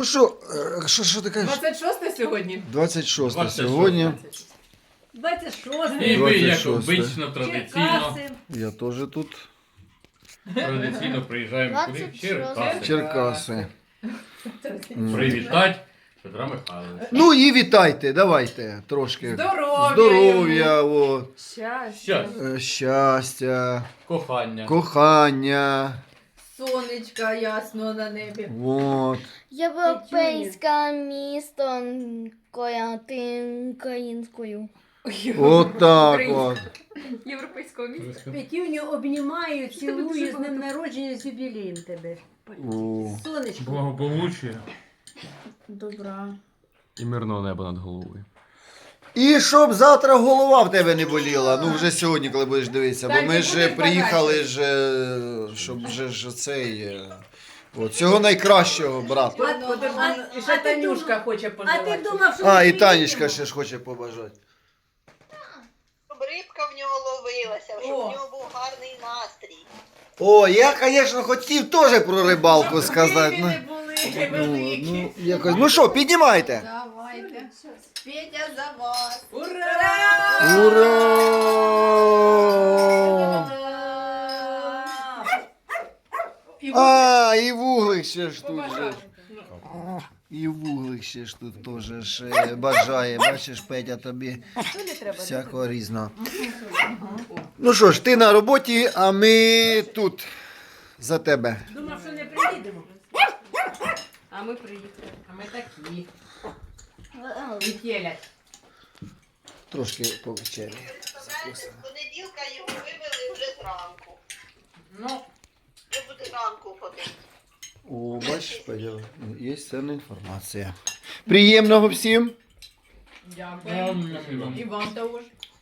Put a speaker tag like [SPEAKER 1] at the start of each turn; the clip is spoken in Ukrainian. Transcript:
[SPEAKER 1] Ну що ти кажеш?
[SPEAKER 2] 26 сьогодні.
[SPEAKER 1] 26 сьогодні.
[SPEAKER 3] 26.
[SPEAKER 2] І ви, як
[SPEAKER 1] 26.
[SPEAKER 2] обично, традиційно,
[SPEAKER 3] Черкаси.
[SPEAKER 1] Я теж тут.
[SPEAKER 2] приїжджаємо куди? В Черкаси.
[SPEAKER 1] Черкаси.
[SPEAKER 2] Привітати Петра Михайловича.
[SPEAKER 1] Ну і вітайте, давайте трошки.
[SPEAKER 2] Здоров'я
[SPEAKER 1] Здоров'я, о,
[SPEAKER 2] Щас.
[SPEAKER 1] щастя,
[SPEAKER 2] Кохання.
[SPEAKER 1] кохання.
[SPEAKER 3] Сонечка ясно на небі.
[SPEAKER 1] Вот.
[SPEAKER 4] Європейське місто українською.
[SPEAKER 1] Отак от.
[SPEAKER 2] Європейського міста.
[SPEAKER 3] Петюню обнімаю, цілую з днем народження, з юбілеєм тебе.
[SPEAKER 1] О.
[SPEAKER 3] Сонечко.
[SPEAKER 5] Благополуччя
[SPEAKER 4] Добра.
[SPEAKER 5] і мирного неба над головою.
[SPEAKER 1] І щоб завтра голова в тебе не боліла. Ну вже сьогодні, коли будеш дивитися. Бо
[SPEAKER 2] Так,
[SPEAKER 1] ми
[SPEAKER 2] і
[SPEAKER 1] ж
[SPEAKER 2] буде
[SPEAKER 1] приїхали
[SPEAKER 2] подача.
[SPEAKER 1] ж, щоб вже ж цей. От, цього найкращого брати.
[SPEAKER 2] І ще Танюшка хоче
[SPEAKER 3] А ти
[SPEAKER 2] пожелати.
[SPEAKER 3] думав, що
[SPEAKER 1] А,
[SPEAKER 3] ми
[SPEAKER 1] і Танечка
[SPEAKER 3] приїдемо?
[SPEAKER 1] ще ж хоче побажати.
[SPEAKER 6] Щоб рибка в нього ловилася, щоб
[SPEAKER 2] О.
[SPEAKER 6] в нього був гарний настрій.
[SPEAKER 1] О, я, звісно, хотів теж про рибалку сказати.
[SPEAKER 2] Щоб не були великі.
[SPEAKER 1] Ну що, піднімайте.
[SPEAKER 3] Давайте. Петя за вас.
[SPEAKER 2] Ура!
[SPEAKER 1] Ура! А, і вуглик ще ж тут же. І вуглик ще ж тут теж ж бажає. Бачиш, Петя, тобі всякого різного. Ну що ж, ти на роботі, а ми тут за тебе.
[SPEAKER 3] Думав, що не приїдемо.
[SPEAKER 2] А ми приїхали. А ми такі. Вітєлять.
[SPEAKER 1] Трошки повечері.
[SPEAKER 6] Представляєте, з понеділка його вивели вже зранку.
[SPEAKER 2] Ну,
[SPEAKER 6] Вже буде зранку ходити.
[SPEAKER 1] О, бачиш, Петя, є цінна інформація. Приємного всім.
[SPEAKER 2] дякую. І вам того ж.